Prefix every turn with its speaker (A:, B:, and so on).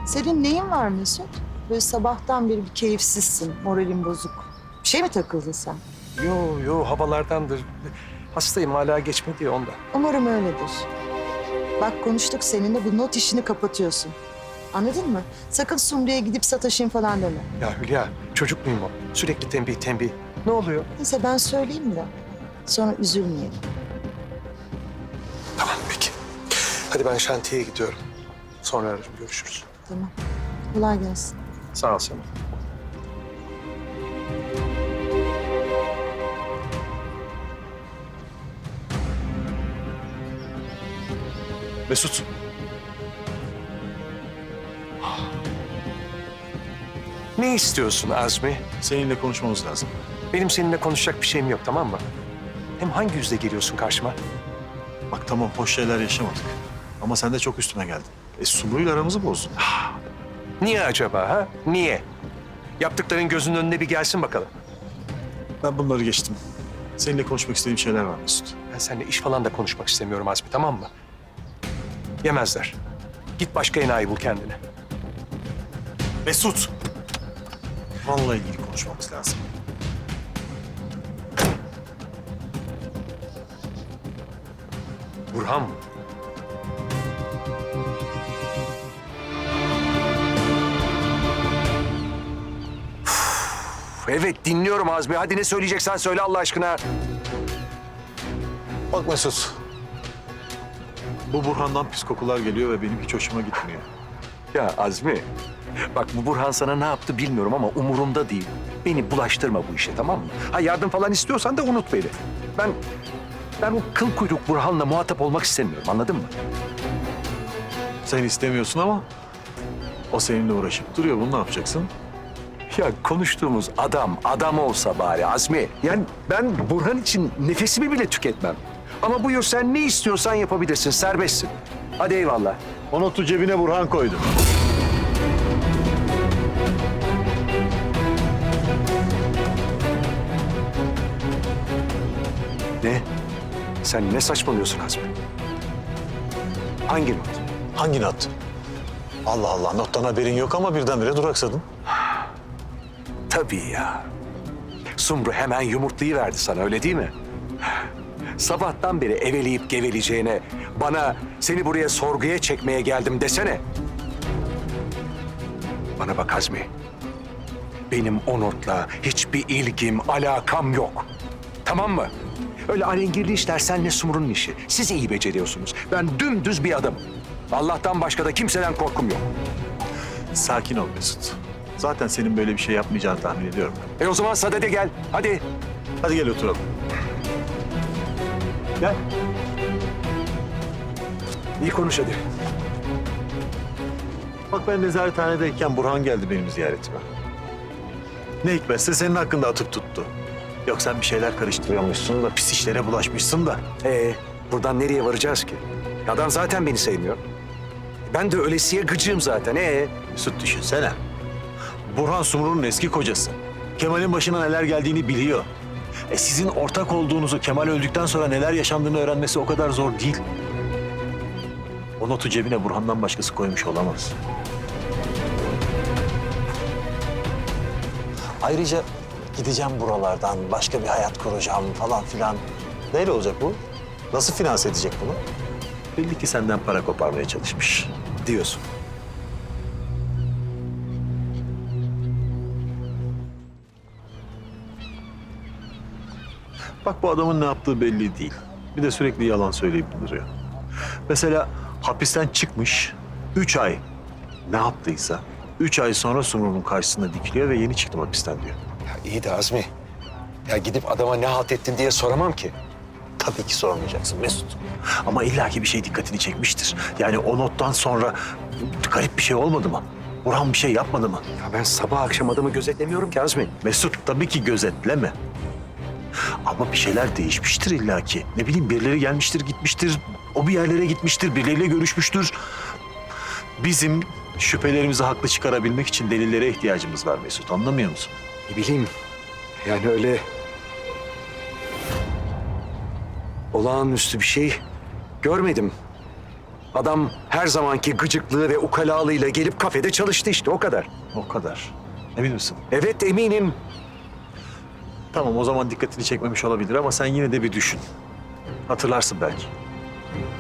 A: Senin neyin var Mesut? Böyle sabahtan beri bir keyifsizsin, moralin bozuk. Bir şey mi takıldın sen?
B: Yo havalardandır. Hastayım hala geçmedi ya ondan.
A: Umarım öyledir. Bak konuştuk seninle, bu not işini kapatıyorsun. Anladın mı? Sakın Sumru'ya gidip sataşayım falan deme.
B: Ya Hülya çocuk muyum o? Sürekli tembih. Ne oluyor?
A: Neyse ben söyleyeyim de sonra üzülmeyelim.
B: Tamam peki. Hadi ben şantiyeye gidiyorum. Sonra ararım görüşürüz.
A: Tamam. Kolay gelsin.
B: Sağ ol sana.
C: Mesut.
B: Ne istiyorsun Azmi?
C: Seninle konuşmamız lazım.
B: Benim seninle konuşacak bir şeyim yok tamam mı? Hem hangi yüzle geliyorsun karşıma?
C: Bak tamam hoş şeyler yaşamadık. Ama sen de çok üstüme geldin. Sumru'yla aramızı bozdun.
B: Niye acaba ha? Niye? Yaptıkların gözünün önüne bir gelsin bakalım.
C: Ben bunları geçtim. Seninle konuşmak istediğim şeyler var Mesut.
B: Ben seninle iş falan da konuşmak istemiyorum Azmi tamam mı? Yemezler. Git başka enayi bul kendine.
C: Mesut! Vallahi ilgili konuşmamız lazım.
B: Burhan mı? Evet dinliyorum Azmi. Hadi ne söyleyeceksen söyle Allah aşkına.
C: Bak Mesut. Bu Burhan'dan pis kokular geliyor ve benim hiç hoşuma gitmiyor.
B: Ya Azmi, bak bu Burhan sana ne yaptı bilmiyorum ama umurumda değil. Beni bulaştırma bu işe tamam mı? Ha yardım falan istiyorsan da unut beni. Ben o kıl kuyruk Burhan'la muhatap olmak istemiyorum anladın mı?
C: Sen istemiyorsun ama o seninle uğraşıp duruyor. Bunu ne yapacaksın?
B: Ya konuştuğumuz adam olsa bari Azmi. Yani ben Burhan için nefesimi bile tüketmem. Ama buyur sen ne istiyorsan yapabilirsin, serbestsin. Hadi eyvallah.
C: O notu cebine Burhan koydu.
B: Ne? Sen ne saçmalıyorsun Azmi? Hangi not?
C: Hangi not? Allah Allah nottan haberin yok ama birdenbire duraksadın.
B: Tabii ya. Sumru hemen yumurtlayıverdi sana öyle değil mi? Sabahtan beri eveleyip geveleyeceğine bana seni buraya sorguya çekmeye geldim desene. Bana bak Azmi. Benim o notla hiçbir ilgim, alakam yok. Tamam mı? Öyle alengirli işler senle Sumru'nun işi. Siz iyi beceriyorsunuz. Ben dümdüz bir adamım. Allah'tan başka da kimseden korkum yok.
C: Sakin ol Mesut. Zaten senin böyle bir şey yapmayacağını tahmin ediyorum.
B: O zaman sadede gel. Hadi.
C: Hadi gel oturalım.
B: Gel. İyi konuş hadi.
C: Bak ben nezarethanedeyken Burhan geldi benim ziyaretime. Ne hikmetse senin hakkında atıp tuttu. Yok sen bir şeyler karıştırıyormuşsun da pis işlere bulaşmışsın da.
B: Buradan nereye varacağız ki? Adam zaten beni sevmiyor. Ben de ölesiye gıcığım zaten.
C: Mesut düşünsene. Burhan Sumru'nun eski kocası. Kemal'in başına neler geldiğini biliyor. Sizin ortak olduğunuzu Kemal öldükten sonra neler yaşandığını öğrenmesi o kadar zor değil. O notu cebine Burhan'dan başkası koymuş olamaz. Ayrıca gideceğim buralardan, başka bir hayat kuracağım falan filan. Neyle olacak bu? Nasıl finanse edecek bunu? Belli ki senden para koparmaya çalışmış.
B: Diyorsun.
C: Bak bu adamın ne yaptığı belli değil. Bir de sürekli yalan söyleyip duruyor. Mesela hapisten çıkmış, 3 ay ne yaptıysa 3 ay sonra Sumru'nun karşısında dikiliyor ve yeni çıktım hapisten diyor.
B: Ya iyi de Azmi. Ya gidip adama ne halt ettin diye soramam ki.
C: Tabii ki sormayacaksın Mesut. Ama illaki bir şey dikkatini çekmiştir. Yani o nottan sonra garip bir şey olmadı mı? Burhan bir şey yapmadı mı?
B: Ya ben sabah akşam adamı gözetlemiyorum ki Azmi.
C: Mesut tabii ki gözetleme. Ama bir şeyler değişmiştir illaki. Ne bileyim birileri gelmiştir, gitmiştir. O bir yerlere gitmiştir, birileriyle görüşmüştür. Bizim şüphelerimizi haklı çıkarabilmek için delillere ihtiyacımız var Mesut. Anlamıyor musun?
B: Ne bileyim. Yani öyle olağanüstü bir şey görmedim. Adam her zamanki gıcıklığı ve ukalalığıyla gelip kafede çalıştı işte, o kadar.
C: O kadar. Emin misin?
B: Evet, eminim.
C: Tamam, o zaman dikkatini çekmemiş olabilir ama sen yine de bir düşün. Hatırlarsın belki.